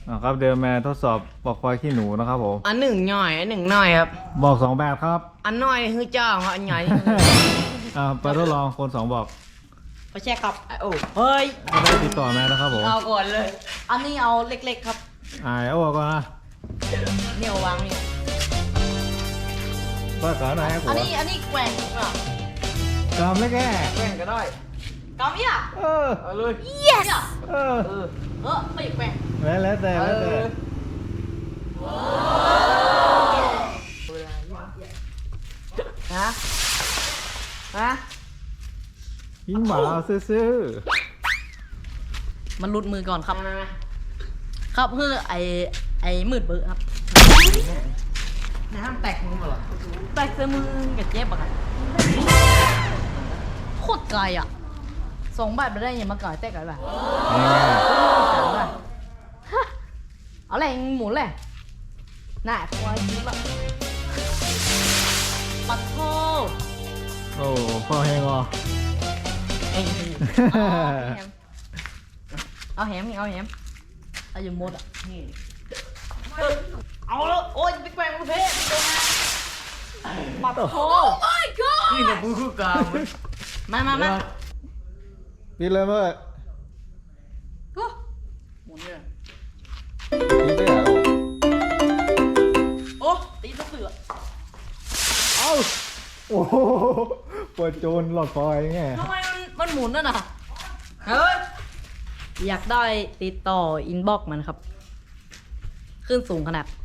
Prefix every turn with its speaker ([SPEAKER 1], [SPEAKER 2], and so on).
[SPEAKER 1] ครับเดินมาทดสอบบอกไฟขี้หนูนะครับผม
[SPEAKER 2] อันหนึ่งหน่อยอันหนึ่งหน่อยครับ
[SPEAKER 1] บอก2แบบครับ
[SPEAKER 2] อันหน่อยคือจ้างอันใหญ่
[SPEAKER 1] ไปทดลองคน2บอก
[SPEAKER 2] ไปแช่ครับโอ้เฮ้ย
[SPEAKER 1] จะได้ติดต่อแม่นะครับผม
[SPEAKER 2] เอาก่อนเลย อันนี้เอาเล็กๆครับ
[SPEAKER 1] เอาก่อนนะ
[SPEAKER 2] เนี่ยวางนี่
[SPEAKER 1] เปิดก่อนหน่อยครับผ
[SPEAKER 2] อัน
[SPEAKER 1] ม
[SPEAKER 2] นี้แกว่งอ่ะ
[SPEAKER 1] กำแล้วแก
[SPEAKER 2] แกว่งก็ได้กำเนี่ย
[SPEAKER 1] เออ
[SPEAKER 2] เอาเลย yes
[SPEAKER 1] เออ
[SPEAKER 2] ไม่แกว่ง
[SPEAKER 1] แล้วแต่แล้วแต่
[SPEAKER 2] ฮะ
[SPEAKER 1] ยิงหมาซื่อ
[SPEAKER 2] มันหลุดมือก่อนครับครับเพื่อไอ้มืดเบอร์ครับน้ำแตกมือเหรอแตกเสื้อมือกับเจ็บอะครับโคตรไกลอ่ะ2 บาทไม่ได้ยังมาก่อยแตกอะไรแบบ เอาแรงหมุนเลยน่ะควายยิ้มละปัดโท
[SPEAKER 1] โอ้พ่อแห้งวะ
[SPEAKER 2] เอ้ยเอาแฮมเอาแฮมเอาอยู่หมดอ่ะเอาแล้วโอ้ยไปแกว่งประเภทปัดโท my god นี่เนี่ยพูดกลางมา
[SPEAKER 1] ปิดเลยเมื่อ
[SPEAKER 2] หมุนเลย
[SPEAKER 1] ปิดได้เหรอ
[SPEAKER 2] โอ้ตีตะเสือ
[SPEAKER 1] เอ้าโอ้โหปวดโจรหลอดไฟไง
[SPEAKER 2] ทำไมมันหมุนน่ะนะเฮ้ยอยากได้ติดต่ออินบ็อกมันครับ ขึ้นสูงขนาด